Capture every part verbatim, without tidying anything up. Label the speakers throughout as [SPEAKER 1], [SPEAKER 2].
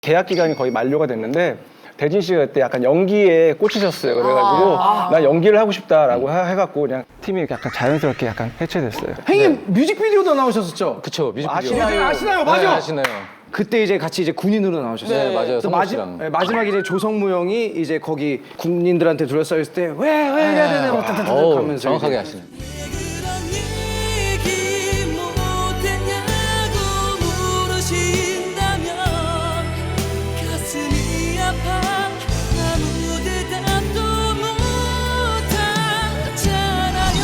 [SPEAKER 1] 계약 기간이 거의 만료가 됐는데 대진 씨가 그때 약간 연기에 꽂히셨어요. 그래가지고 아, 나 연기를 하고 싶다라고 해- 해갖고 그냥 팀이 약간 자연스럽게 약간 해체됐어요.
[SPEAKER 2] 형님 뮤직비디오도 나오셨었죠?
[SPEAKER 3] 그쵸, 뮤직비디오.
[SPEAKER 2] 아시나요? 아시나요? 맞아.
[SPEAKER 3] 네, 아시나요.
[SPEAKER 2] 그때 이제 같이 이제 군인으로 나오셨어요.
[SPEAKER 3] 네, 맞아요.
[SPEAKER 2] 또
[SPEAKER 3] 성호
[SPEAKER 2] 마지,
[SPEAKER 3] 씨랑.
[SPEAKER 2] 네, 마지막에 이제 조성무 형이 이제 거기 군인들한테 둘러싸여 있을 때 왜 왜 해야 되냐 막 따따따
[SPEAKER 3] 어우,
[SPEAKER 2] 하면서
[SPEAKER 3] 정확하게
[SPEAKER 2] 이제
[SPEAKER 3] 하시네.
[SPEAKER 4] 그런 얘기 못했냐고 물으신다면 가슴이 아파 아무 대답도 못하잖아요.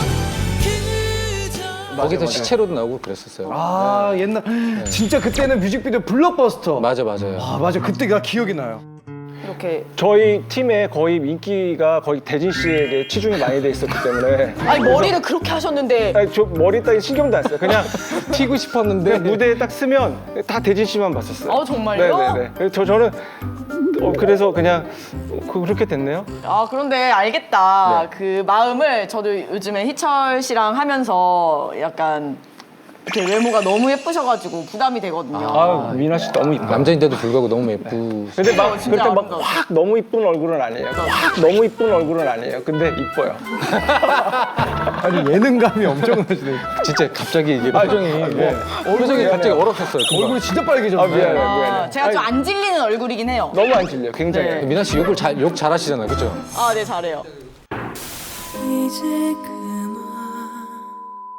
[SPEAKER 4] 그저
[SPEAKER 3] 거기서 시체로도 나오고 그랬었어요.
[SPEAKER 2] 아 옛날 진짜 그때는 뮤직비디오 블록버스터.
[SPEAKER 3] 맞아, 맞아요.
[SPEAKER 2] 아 맞아 그때가 기억이 나요.
[SPEAKER 5] 이렇게
[SPEAKER 1] 저희 팀에 거의 인기가 거의 대진 씨에게 치중이 많이 돼 있었기 때문에
[SPEAKER 5] 아니 머리를 그렇게 하셨는데
[SPEAKER 1] 아니, 저 머리 따위 신경도 안 써요. 그냥
[SPEAKER 3] 튀고 싶었는데.
[SPEAKER 1] 그냥 무대에 딱 쓰면 다 대진 씨만 봤었어요.
[SPEAKER 5] 아, 정말요?
[SPEAKER 1] 네네네. 그래서 저 저는 어, 그래서 그냥 그- 그렇게 됐네요.
[SPEAKER 5] 아 그런데 알겠다. 그 마음을 저도 요즘에 희철 씨랑 하면서 약간 이렇게 외모가 너무 예쁘셔가지고 부담이 되거든요.
[SPEAKER 1] 아 미나 씨 너무 이뻐.
[SPEAKER 3] 남자인데도 불구하고 너무 예쁘.
[SPEAKER 1] 근데 막
[SPEAKER 5] 진짜
[SPEAKER 1] 그렇게
[SPEAKER 5] 아름다워.
[SPEAKER 1] 막 확 너무 이쁜 얼굴은 아니에요. 확 너무 이쁜 얼굴은 아니에요. 근데 이뻐요.
[SPEAKER 2] 아니 예능감이 엄청나시네.
[SPEAKER 3] 진짜 갑자기 이게 표정이. 뭐, 표정이 갑자기 얼었었어요. 금방.
[SPEAKER 2] 얼굴이 진짜 빨개졌네.
[SPEAKER 1] 아 미안해
[SPEAKER 5] 아,
[SPEAKER 1] 미안해.
[SPEAKER 5] 제가 좀
[SPEAKER 1] 아니,
[SPEAKER 5] 안 질리는 얼굴이긴 해요.
[SPEAKER 1] 너무 안 질려. 굉장히.
[SPEAKER 5] 네.
[SPEAKER 3] 미나 씨 욕을 잘, 욕 잘하시잖아요. 그죠?
[SPEAKER 5] 아 네 잘해요.
[SPEAKER 4] 이제